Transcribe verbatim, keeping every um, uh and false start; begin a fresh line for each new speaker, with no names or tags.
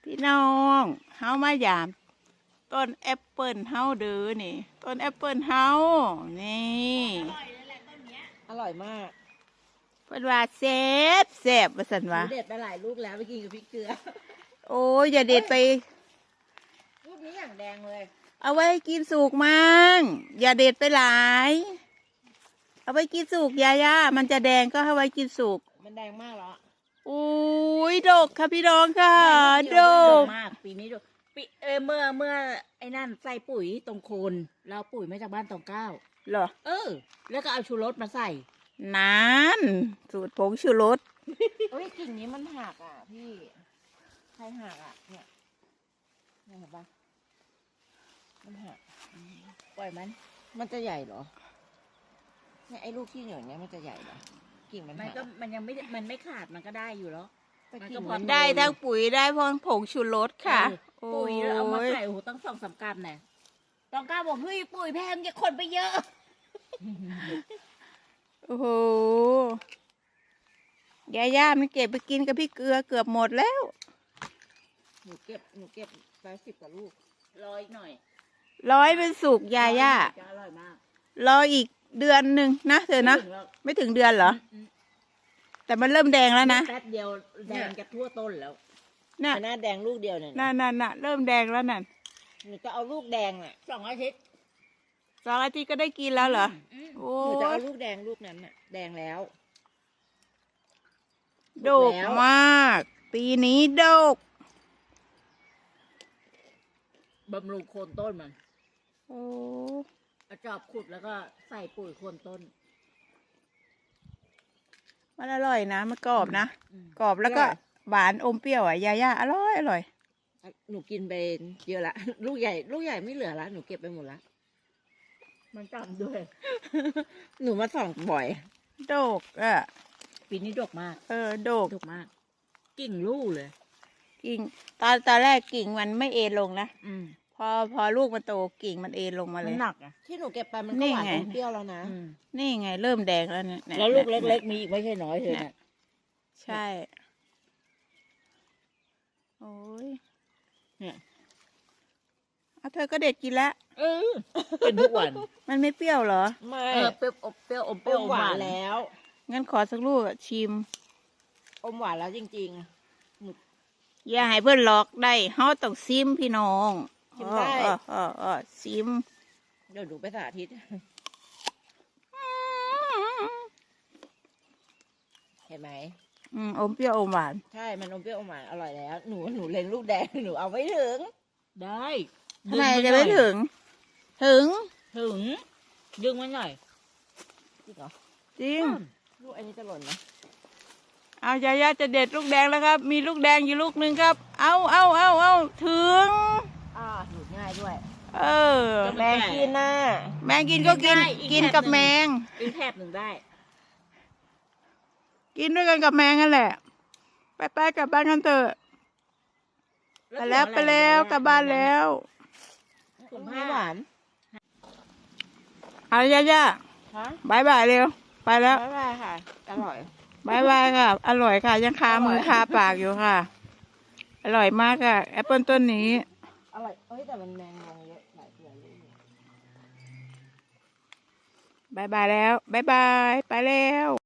พี่น้องเฮามายามต้นแอปเปิลเฮาเด้อนี่ต้นแอปเปิลเฮานี่
อร่อยเลยแหละต้นเนี้ยอร่อยมาก
เพิ่นว่าแซ่บแซ่บว่าซั่นว่า
เด็ดไปหลายลูกแล้วไปกินกับพริกเกลือ
โอ้ยอย่าเด็ดไป
ลูกนี้อย่างแดงเลย
เอาไว้กินสุกมั่งอย่าเด็ดไปหลายเอาไว้กินสุกยาย่ามันจะแดงก็เอาไว้กินสุก
มันแดงมากแล้ว
อุ้ยดกค่ะพี่น้องค่ะดก
มากปีนี้ดกปีเออเมื่อเมื่อไอ้นั่นใส่ปุ๋ยตรงโคนเราปุ๋ยมาจากบ้านตองเก้า
เหรอ
เออแล้วก็เอาชูรสมาใส่
นั่นสูตรผงชูรส
เอ้ยกิ่งนี้มันหักอ่ะพี่ใครหักอ่ะเนี่ยเนี่ยเห็นปะมันหักปล่อยมันมันจะใหญ่เหรอเนี่ยไอ้ลูกที่เหนียวเนี้ยมันจะใหญ่เหรอกิ่งมันมันก็มันยังไม่มันไม่ขาดมันก็ได้อยู่แล้ว
มันก็พอได้ทั้งปุ๋ยได้พอผงชูรสค่ะ
ปุ๋ยเอามาใส่โอ้โหตั้งสองสามกรัมเนี่ยต้องกล้าบอกเฮ้ยปุ๋ยแพงอย่าคนไปเยอะ
โอ้โหยาย่ามันเก็บไปกินกับพี่เกลือเกือบหมดแล้ว
หนูเก็บหนูเก็บไปสิบกว่าลูกร้อยหน่อย
ร้อยเป็นสุกยาย่า
อร่อยมาก
รออีกเดือนหนึ่งนะเธอนะไม่ถึงเดือนเหรอแต่มันเริ่มแดงแล้วนะ
แป๊บเดียวแดงจะทั่วต้นแล้ว
น่ะ
หน้าแดงลูกเดียวเนี่ย
น่ะน่ะน่ะเริ่มแดงแล้วนั่น
หนูจะเอาลูกแดงอ่ะสองอาทิตย์
สองอาทิตย์ก็ได้กินแล้วเหรอ
โอ้หนูจะเอาลูกแดงลูกนั้นน่ะแดงแล้ว
ดกมากปีนี้ดก
บำรุงโคนต้นมัน
โอ้
เอาจอบขุดแล้วก็ใส่ปุ๋ยโคนต้น
มันอร่อยนะมันกรอบนะกรอบแล้วก็หวานอมเปรี้ยวอ่ะยาย่าอร่อยอร่อย
หนูกินไปเยอะละลูกใหญ่ลูกใหญ่ไม่เหลือละหนูเก็บไปหมดละมันจำด้วยหนูมาส่องบ่อย
ดกอ่ะ
ปีนี้ดกมาก
เออดก
ดกมากกิ่งลูกเลย
กิ่งตอนตอนแรกกิ่งมันไม่เอ็นลงนะ
อืม
พอพอลูกมันโตกิ่งมันเอ็นลงมาเลย
มันหนักอ่ะที่หนูเก็บไปมันก็หวานอมเปรี้ยวแล้วนะ
นี่ไงเริ่มแดงแล้วเนี่ย
แล้วลูกเล็กๆมีอีกไม่ใช่น้อยเลยนะ
ใช่โอ้ย
เนี่ย
เอาเธอก็เด็ดกินแล้ว
เออเป็นทุกวัน
มันไม่เปรี้ยวเหรอ
ไม่เปรี้ยวอบเปรี้ยวอมเปรี้ยวหวานแล้ว
งั้นขอสักลูกชิม
อมหวานแล้วจริง
ๆอย่าให้เพื่อนหลอกได้เฮาต้องซิมพี่น้อง
ชิมได้
เออเออซิม
เดี๋ยวดูไปสาธิตเห็นไหม
อืมอมเปรี้ยวอมหวาน
ใช่มันอมเปรี้ยวอมหวานอร่อยแล้วหนูหนูเล็งลูกแดงหนูเอาไม่ถึงได้
ทำไมจะไม่ถึงถึง
ถึงดึงมันหน่อยจริงเหรอ
จริง
ลูกอันนี้จะหล่นไหม
เอายาย่าจะเด็ดลูกแดงแล้วครับมีลูกแดงอยู่ลูกนึงครับเอาเอาเอาเอาถึง
อ่าหยุดง่ายด้วย
เออ
แมงกินน่ะ
แมงกินก็กินกินกับแมง
อีกแถบหนึ่งได้
กินด้วยกันกับแมงนั่นแหละไปไปกลับบ้านกันเถอะไปแล้วไปแล้วกลับบ้านแล้ว
ไม่หวาน
เอาย่าย่าบายบายเร็วไปแล้ว
บายบายค่ะอร่อย
บายบายค่ะอร่อยค่ะยังคามือคาปากอยู่ค่ะอร่อยมากค่ะแอปเปิลต้นนี้
อร่อยเอ้ยแต่มันแมงงเยอะหลายตัวเลย
บายบายแล้วบายบายไปแล้ว